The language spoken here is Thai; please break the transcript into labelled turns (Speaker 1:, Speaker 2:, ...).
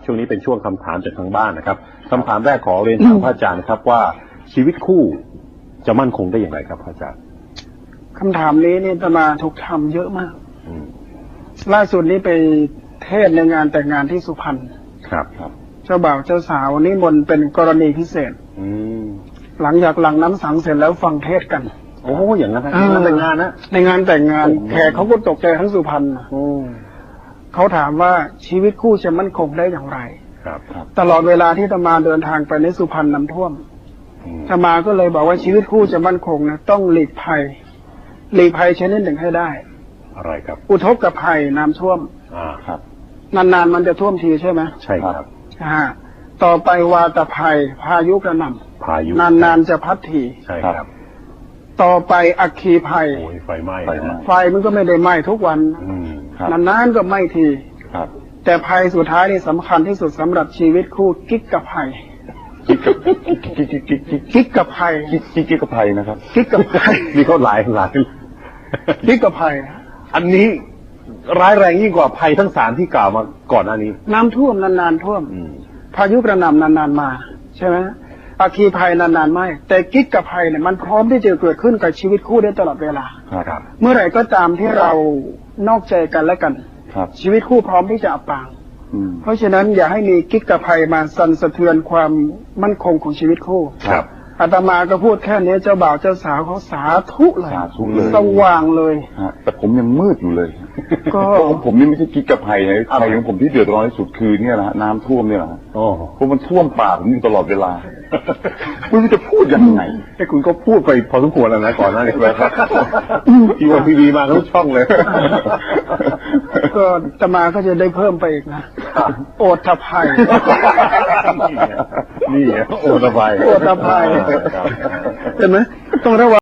Speaker 1: ช่วงนี้เป็นช่วงคำถามจากทางบ้านนะครับคำถามแรกขอเรียนถามพระอาจารย์นะครับว่าชีวิตคู่จะมั่นคงได้อย่างไรครับพระอาจารย์
Speaker 2: คำถามนี้นี่อาตมาถูกทำเยอะมากล่าสุดนี้ไปเทศในงานแต่งงานที่สุพรรณ
Speaker 1: ครับ
Speaker 2: เจ้าบ่าวเจ้าสาวนิมนต์เป็นกรณีพิเศษหลังจากหลังน้ำสังเสร็จแล้วฟังเทศกัน
Speaker 1: โอ้อย่างนั้นงานแต่งงานนะ
Speaker 2: ในงานแต่งงานแขกเขาก็ตกใจทั้งสุพรรณเขาถามว่าชีวิตคู่จะมั่นคงได้อย่างไร
Speaker 1: ครับ
Speaker 2: ตลอดเวลาที่อาตมาเดินทางไปในสุพรรณน้ำท่วมอาตมาก็เลยบอกว่าชีวิตคู่จะมั่นคงนะต้องหลีกภัยชนิดหนึ่งให้ได้
Speaker 1: อะไรครับ
Speaker 2: อุทกภัยน้ำท่วม
Speaker 1: ครับ
Speaker 2: นานๆมันจะท่วมทีใช่ไหม
Speaker 1: ใช่ครับ
Speaker 2: ต่อไปวาตภัยพายุกระหน่ำนานๆจะพัดที
Speaker 1: ใช่ครับ
Speaker 2: ต่อไปอัคคีภัย
Speaker 1: ไฟไหม้
Speaker 2: ไฟมันก็ไม่ได้ไหม้ทุกวันนานๆก็ไหม้ทีแต่ภัยสุดท้ายนี่สำคัญที่สุดสำหรับชีวิตคู่กิ๊กกับภัยกิ๊กกับภัย
Speaker 1: นะครับ
Speaker 2: กิ๊กกับภัย
Speaker 1: มีเขาหลาย
Speaker 2: กิ๊กกับภัย
Speaker 1: อันนี้ร้ายแรงยิ่งกว่าภัยทั้งสามที่กล่าวมาก่อนหน้านี้
Speaker 2: น้ำท่วมนานๆท่วมพายุกระหน่ำนานๆมาใช่ไหมอัคคีภัยนานๆไม่แต่กิ๊กกับภัยเนี่ยมันพร้อมที่จะเกิดขึ้นกับชีวิตคู่ได้ตลอดเวลาเมื่อไหร่ก็ตามที่เรานอกใจกันและกันชีวิตคู่พร้อมที่จะอับปางเพราะฉะนั้นอย่าให้มีกิ๊กกับภัยมาสั่นสะเทือนความมั่นคงของชีวิตคู่อาตมาก็พูดแค่นี้เจ้าบ่าวเจ้าสาวเขาสาธุเลยสว่างเลย
Speaker 3: แต่ผมยังมืดอยู่เลยก็ผมนี่ไม่ใช่กิ๊กกับภัยนะภัยของผมที่เดือดร้อนที่สุดคือเนี่ยแหละน้ำท่วมเนี่ยแหละเพราะมันท่วมปากผมอยู่ตลอดเวลาไม่รู้จะพูดยังไง
Speaker 1: ให้คุณก็พูดไปพอสมควรแล้วนะก่อนหน้านี้ครับทีวีมาทุกช่องเลย
Speaker 2: ก็อาตมาก็จะได้เพิ่มไปอีกนะโอทภัย
Speaker 1: นี่โอทภัย
Speaker 2: เห็นไหมต้องระวัง